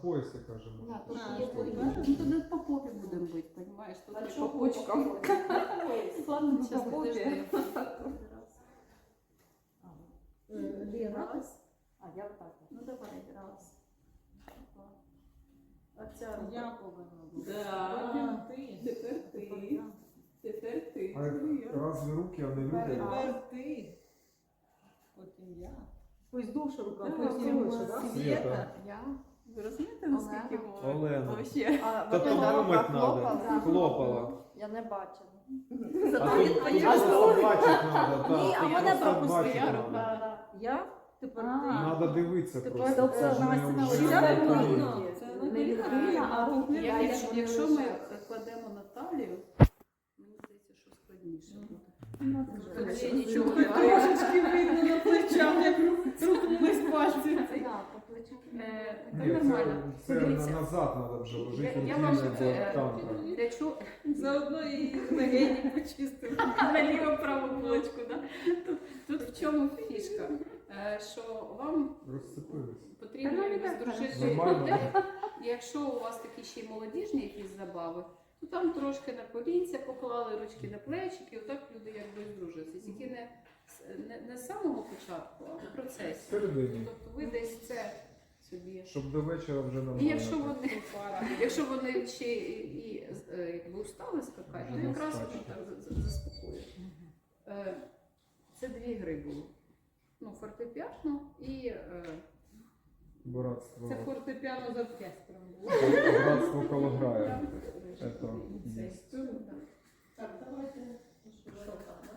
поясі, кажемо. Да, тут А, є тут, пояс. да? Ну, туди по попі будемо бити, розумієш? Тут А не чого по почкам. по попі? Ладно, По зараз попі. подожди. Раз. А, я отак. Ну, давай, раз. Два. А ця Я рука. повинна бути. Да. Ти. Тепер ти. Тепер ти. А разве руки, а не люди? Тепер ти. Потім я. Пусть довше рука, Ну, пусть потім коротше, да? Света. Я. Ви розумієте, наскільки Олена. Олена. Вообще. А Та вот тут эта рука думать надо. хлопала? Хлопала. Я не бачила. А Зато тут він тут поняв, просто бачить надо. Ні, так, а тут мене просто пропустила бачить рука. надо. Да. Я? Тепер ти. Надо дивитися Тепер просто. це Це ж не Настя на вже лиця на видно. коліні. Це Не відкрита, а руки. Якщо ми кладемо на талію, мені здається, що складніше буде. Тоді нічого не Трошечки видно на плечах, як руку ми пальці. Да, по плечу. Це Ні, нормально. це Дивіться, назад треба вже ложити я рутини, вам бо танка. для чого Заодно і легені почистив. на ліву праву булочку, да? Тут в чому фішка? Що вам Розцепились. потрібно здружити Нормально. людей. І якщо у вас такі ще й молодіжні якісь забави, то там трошки на колінця поклали, ручки на плечики, отак люди якби здружилися. Тільки не з самого початку, а в процесі. Всередині. Тобто ви десь це собі. Щоб до вечора вже І нормально. якщо вони ще і якби устали скакати, то якраз Скачуть. так заспокоює. Це дві гри були. Ну, фортепіано і Братство. Це фортепіано з оркестром було. Братство Колограя. Это Цей. есть. Так, давайте. Що там?